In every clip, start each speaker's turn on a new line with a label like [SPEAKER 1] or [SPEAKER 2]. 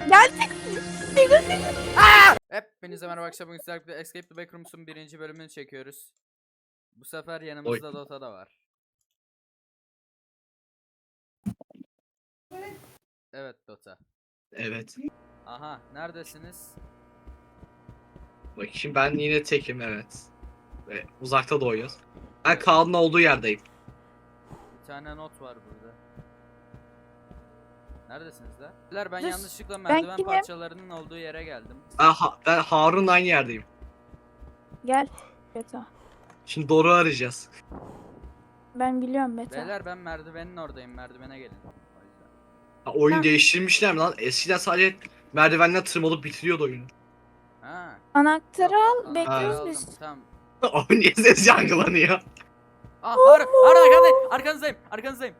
[SPEAKER 1] Geldik.
[SPEAKER 2] Hepinize merhaba arkadaşlar, bugün sizlerle Escape the Backrooms'un 1. bölümünü çekiyoruz. Bu sefer yanımızda Dota da var. Evet Dota.
[SPEAKER 3] Evet.
[SPEAKER 2] Aha, neredesiniz?
[SPEAKER 3] Bakayım, ben yine tekim, evet. Ve uzakta doğuyoruz. Ben Kaan'ın olduğu yerdeyim.
[SPEAKER 2] Bir tane not var burada. Neredesiniz la? Beyler, ben
[SPEAKER 1] Dur,
[SPEAKER 2] yanlışlıkla merdiven
[SPEAKER 1] kimim?
[SPEAKER 2] parçalarının olduğu yere geldim.
[SPEAKER 3] Ben Harun'la aynı yerdeyim.
[SPEAKER 1] Gel. Beta.
[SPEAKER 3] Şimdi doğru arayacağız.
[SPEAKER 1] Ben biliyorum Beta.
[SPEAKER 2] Beyler, ben merdivenin oradayım, merdivene gelin. O yüzden.
[SPEAKER 3] Ha, oyun
[SPEAKER 1] Ha.
[SPEAKER 3] değiştirmişler mi lan? Eskiden sadece merdivenden tırmalıp bitiriyordu oyunu.
[SPEAKER 2] Ha.
[SPEAKER 1] Anahtarı al.
[SPEAKER 2] Yok,
[SPEAKER 1] Bekliyoruz
[SPEAKER 2] aldım,
[SPEAKER 1] biz.
[SPEAKER 2] Tamam.
[SPEAKER 3] Oyun niye ses yankılanıyor?
[SPEAKER 2] Ah, Harun arkanızdayım.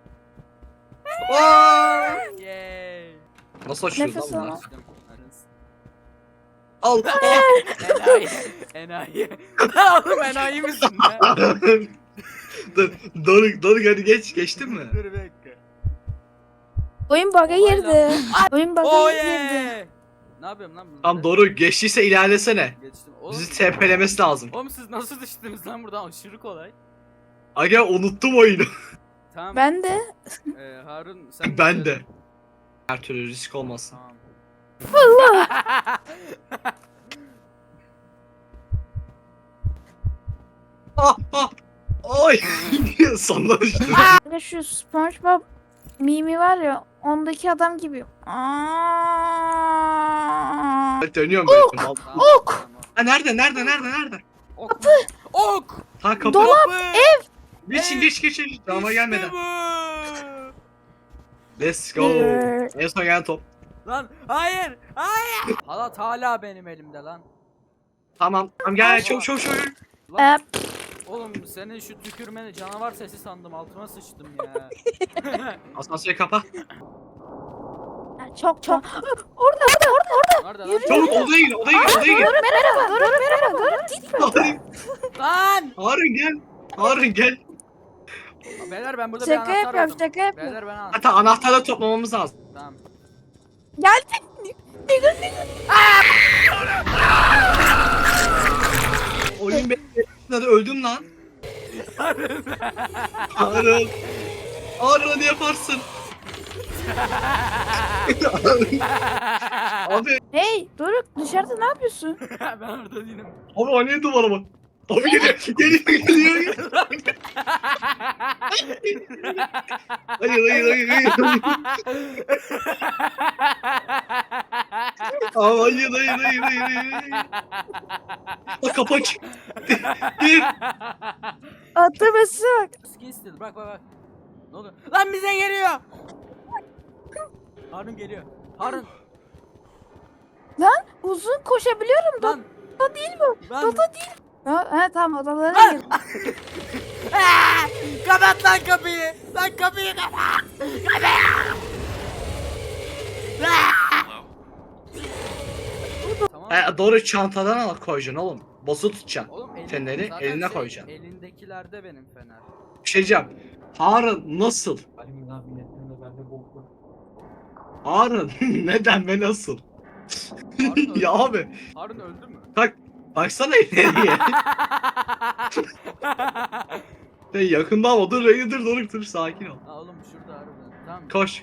[SPEAKER 3] Aa!
[SPEAKER 2] Yay.
[SPEAKER 3] Nasıl açıyoruz
[SPEAKER 1] Nefes
[SPEAKER 3] lan
[SPEAKER 1] al.
[SPEAKER 3] bunlar?
[SPEAKER 2] Açtım, arınız.
[SPEAKER 3] Al.
[SPEAKER 2] Enayi. Oğlum enayi misin ya?
[SPEAKER 3] Doruk hadi geçtin mi?
[SPEAKER 2] Dur bir dakika.
[SPEAKER 1] Oyun bug'a
[SPEAKER 2] Olay
[SPEAKER 1] girdi. Oyun bug'a
[SPEAKER 2] Oh
[SPEAKER 1] girdi.
[SPEAKER 2] yeah. Ne yapıyorum lan burada?
[SPEAKER 3] Tamam, Doruk geçtiyse ilerlesene.
[SPEAKER 2] Geçtim. Oğlum,
[SPEAKER 3] Bizi TP'lemesi lazım.
[SPEAKER 2] oğlum siz nasıl düştünüz lan buradan? Aşırı kolay.
[SPEAKER 3] Aga, unuttum oyunu.
[SPEAKER 2] Tamam.
[SPEAKER 1] Ben de.
[SPEAKER 2] Harun sen
[SPEAKER 3] Ben de. Her türlü risk olmasın.
[SPEAKER 2] Tamam.
[SPEAKER 1] Allah.
[SPEAKER 3] Ah! Oy! Sonlar işte.
[SPEAKER 1] Şu SpongeBob mimi var ya. Ondaki adam gibi.
[SPEAKER 3] Dönüyorum böyle.
[SPEAKER 2] Tamam,
[SPEAKER 1] Ok!
[SPEAKER 2] tamam.
[SPEAKER 3] Ha, nerede?
[SPEAKER 2] Ok. Ok.
[SPEAKER 3] Ha, kapı.
[SPEAKER 2] Dolap.
[SPEAKER 3] Geç. Cama gelmeden.
[SPEAKER 2] Bu.
[SPEAKER 3] Let's go. En son gelen top.
[SPEAKER 2] Lan hayır. Halat hala benim elimde lan.
[SPEAKER 3] Tamam gel, çok.
[SPEAKER 2] Lan. Oğlum senin şu tükürmeni canavar sesi sandım, altıma sıçtım ya.
[SPEAKER 3] Asansörü kapa.
[SPEAKER 1] Çok. Orada.
[SPEAKER 2] Nerede lan?
[SPEAKER 1] Yürü.
[SPEAKER 3] Çabuk odaya gir.
[SPEAKER 1] Merhaba. Doruk gitme.
[SPEAKER 3] Harun gel.
[SPEAKER 2] Beyler, ben burada bir
[SPEAKER 1] Şaka
[SPEAKER 2] anahtar
[SPEAKER 1] yapıyorum,
[SPEAKER 2] buldum.
[SPEAKER 1] şaka yapıyorum.
[SPEAKER 2] Beyler, ben anahtar.
[SPEAKER 3] Hatta anahtarla toplamamız lazım.
[SPEAKER 2] Tamam.
[SPEAKER 1] Geldik.
[SPEAKER 3] Oyun bekledi, öldüm lan. Harun ne yaparsın? Abi
[SPEAKER 1] Hey Doruk, dışarıda ne yapıyorsun?
[SPEAKER 2] Ben orada değilim.
[SPEAKER 3] Abi o ne duvara bak. Abi geliyor. Hayır. Abi hayır. Bak, kapı aç. Gir.
[SPEAKER 1] Atlaması bak.
[SPEAKER 2] Skin still, bak. Ne oluyor? Lan bize geliyor. Harun geliyor. Harun.
[SPEAKER 1] Lan uzun koşabiliyorum.
[SPEAKER 2] Lan.
[SPEAKER 1] Dota değil bu.
[SPEAKER 2] Lan.
[SPEAKER 1] Dota değil. Ha tamam, odalara
[SPEAKER 2] Lan.
[SPEAKER 1] gir.
[SPEAKER 2] Kapat lan kapıyı. Lan kapıyı kapat. Tamam.
[SPEAKER 3] Doğru, çantadan al koyacaksın oğlum. Basılı tutacaksın.
[SPEAKER 2] Oğlum
[SPEAKER 3] Feneri
[SPEAKER 2] zaten
[SPEAKER 3] eline koyacaksın.
[SPEAKER 2] Elindekilerde benim fener.
[SPEAKER 3] Bir şey diyeceğim. Harun nasıl? Harun neden ve nasıl?
[SPEAKER 2] Harun öldü.
[SPEAKER 3] Ya abi
[SPEAKER 2] Harun öldü mü?
[SPEAKER 3] baksana ileriye. Yakında ama dur Doruk, sakin ol.
[SPEAKER 2] Ha oğlum, şurada harbiden. Tamam.
[SPEAKER 3] Koş.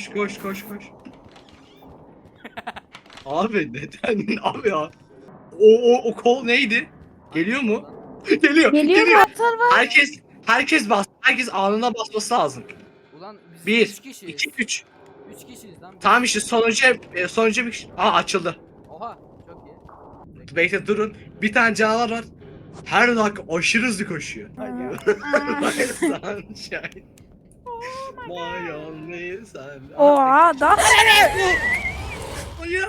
[SPEAKER 3] Abi neden abi ya? O kol neydi? Geliyor mu? Geliyor.
[SPEAKER 1] Geliyor mu? Atar var.
[SPEAKER 3] Herkes anına basması lazım.
[SPEAKER 2] Ulan biz
[SPEAKER 3] 1
[SPEAKER 2] 3 kişiyiz.
[SPEAKER 3] 2 3.
[SPEAKER 2] 3 kişiyiz lan.
[SPEAKER 3] Tamam işte sonucu bir açıldı.
[SPEAKER 2] Oha, çok iyi.
[SPEAKER 3] Bekle, durun. Bir tane canavar var. Her dakika aşırı hızlı koşuyor.
[SPEAKER 2] Hayır.
[SPEAKER 3] Sunshine. My only sun.
[SPEAKER 1] Oha da.
[SPEAKER 3] Hayır.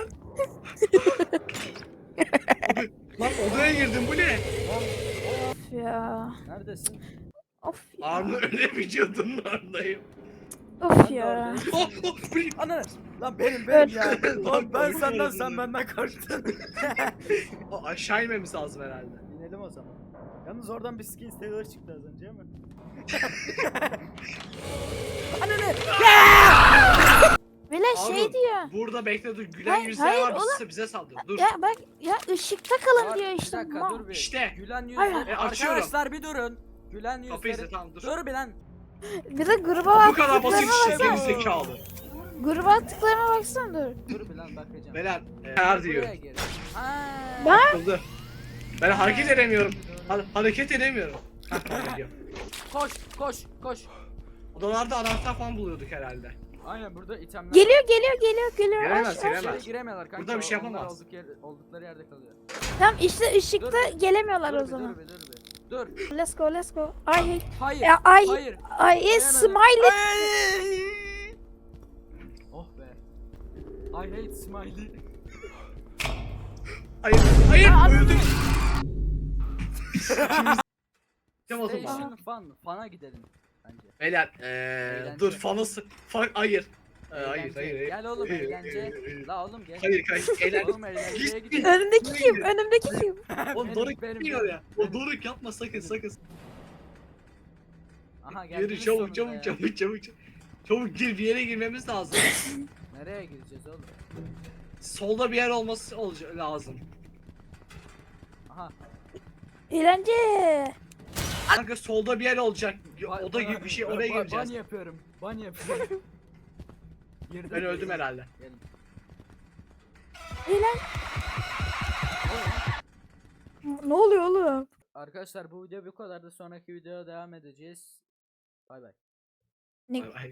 [SPEAKER 3] Lan odaya girdim, bu ne?
[SPEAKER 1] Of ya.
[SPEAKER 2] Neredesin?
[SPEAKER 1] Of ya.
[SPEAKER 3] Armı öyle vücudunun oradayım.
[SPEAKER 1] Of
[SPEAKER 2] Ben de
[SPEAKER 1] ya.
[SPEAKER 2] oradayım.
[SPEAKER 3] Bu ne?
[SPEAKER 2] Ana! Lan benim
[SPEAKER 1] Evet.
[SPEAKER 2] ya. Lan ben
[SPEAKER 3] Korkuyorum
[SPEAKER 2] senden,
[SPEAKER 3] ben.
[SPEAKER 2] sen benden korktun.
[SPEAKER 3] O aşağı inmemiz lazım herhalde.
[SPEAKER 2] İnelim o zaman. Yalnız oradan bir skin stealer çıktı az önce ama. Anne!
[SPEAKER 1] Bile şey
[SPEAKER 3] Harun,
[SPEAKER 1] diyor.
[SPEAKER 3] Burada bekle dur. Gülen
[SPEAKER 1] Hayır,
[SPEAKER 3] yüzler
[SPEAKER 1] hayır,
[SPEAKER 3] var
[SPEAKER 1] oğlum.
[SPEAKER 3] bize saldırıyor. Dur.
[SPEAKER 1] Ya bak ya ışıkta kalın
[SPEAKER 2] Var,
[SPEAKER 1] diyor
[SPEAKER 2] bir
[SPEAKER 1] işte.
[SPEAKER 2] dakika dur bir.
[SPEAKER 3] İşte.
[SPEAKER 2] Gülen
[SPEAKER 1] Hayır.
[SPEAKER 2] yüzleri.
[SPEAKER 3] Açıyorum.
[SPEAKER 2] Arkadaşlar bir durun. Gülen
[SPEAKER 3] Kapıyı
[SPEAKER 2] yüzleri.
[SPEAKER 3] izle tamam dur.
[SPEAKER 2] Dur bir lan.
[SPEAKER 1] Bir de gruba
[SPEAKER 3] Bu kadar basit
[SPEAKER 1] attıklarına
[SPEAKER 3] işte
[SPEAKER 1] baksana.
[SPEAKER 3] geri zekalı.
[SPEAKER 1] Gruba attıklarına baksana dur.
[SPEAKER 2] Dur bir lan bakacağım.
[SPEAKER 3] Belen her diyor.
[SPEAKER 2] Buraya gir. Ha.
[SPEAKER 1] Bak.
[SPEAKER 3] Oldu. Ben hareket edemiyorum. Hareket edemiyorum.
[SPEAKER 2] Koş koş koş.
[SPEAKER 3] Odalarda anahtar falan buluyorduk herhalde.
[SPEAKER 2] Aynen burada itemler.
[SPEAKER 1] Geliyor.
[SPEAKER 3] Gelemez,
[SPEAKER 1] Aç, aç.
[SPEAKER 3] gelemez.
[SPEAKER 2] İçeri giremiyorlar kanka.
[SPEAKER 3] Burada bir şey
[SPEAKER 2] onlar
[SPEAKER 3] yapamaz.
[SPEAKER 2] oldukları yerde kalıyor.
[SPEAKER 1] Tamam işte ışıkta gelemiyorlar
[SPEAKER 2] Dur
[SPEAKER 1] o
[SPEAKER 2] bir,
[SPEAKER 1] zaman.
[SPEAKER 2] dur bir, dur bir. Dur.
[SPEAKER 1] Let's go. I hate.
[SPEAKER 2] Hayır.
[SPEAKER 1] Ya, I
[SPEAKER 2] Hayır.
[SPEAKER 1] hate smiley.
[SPEAKER 2] Oh be. I hate smiley.
[SPEAKER 3] Hayır, hayır,
[SPEAKER 2] Ya,
[SPEAKER 3] öldüm. Tamam o zaman.
[SPEAKER 2] Station fun. Fun'a gidelim. Bence.
[SPEAKER 3] Beyler,
[SPEAKER 2] Eğlence.
[SPEAKER 3] dur fanısı. Hayır.
[SPEAKER 2] Eğlence.
[SPEAKER 3] Hayır.
[SPEAKER 2] Gel oğlum eğlence. La oğlum gel.
[SPEAKER 3] Hayır, eğlence.
[SPEAKER 2] Oğlum eğlenceye
[SPEAKER 3] Git,
[SPEAKER 2] gidelim.
[SPEAKER 1] Önümdeki kim? Önümdeki kim?
[SPEAKER 3] Oğlum
[SPEAKER 2] Benim,
[SPEAKER 3] Doruk
[SPEAKER 2] benim,
[SPEAKER 3] gitmiyor ya.
[SPEAKER 2] benim.
[SPEAKER 3] O Doruk yapma sakın.
[SPEAKER 2] Aha
[SPEAKER 3] Yürü
[SPEAKER 2] geldiniz
[SPEAKER 3] çabuk
[SPEAKER 2] sonunda ya.
[SPEAKER 3] çabuk. Çabuk gir bir yere girmemiz lazım.
[SPEAKER 2] Nereye gireceğiz oğlum?
[SPEAKER 3] Solda bir yer olması lazım.
[SPEAKER 2] Aha.
[SPEAKER 1] Eğlence.
[SPEAKER 3] Kanka solda bir yer olacak. Oda gibi bir şey oraya
[SPEAKER 2] Ban
[SPEAKER 3] gireceğiz.
[SPEAKER 2] yapıyorum. Ban yapıyorum. Girdim.
[SPEAKER 3] Ben öldüm herhalde.
[SPEAKER 2] Gelin.
[SPEAKER 1] Eğlen. Ne oluyor oğlum?
[SPEAKER 2] Arkadaşlar bu video bu kadar da sonraki videoya devam edeceğiz. Bay bay.
[SPEAKER 1] Ne
[SPEAKER 3] Ay, ay.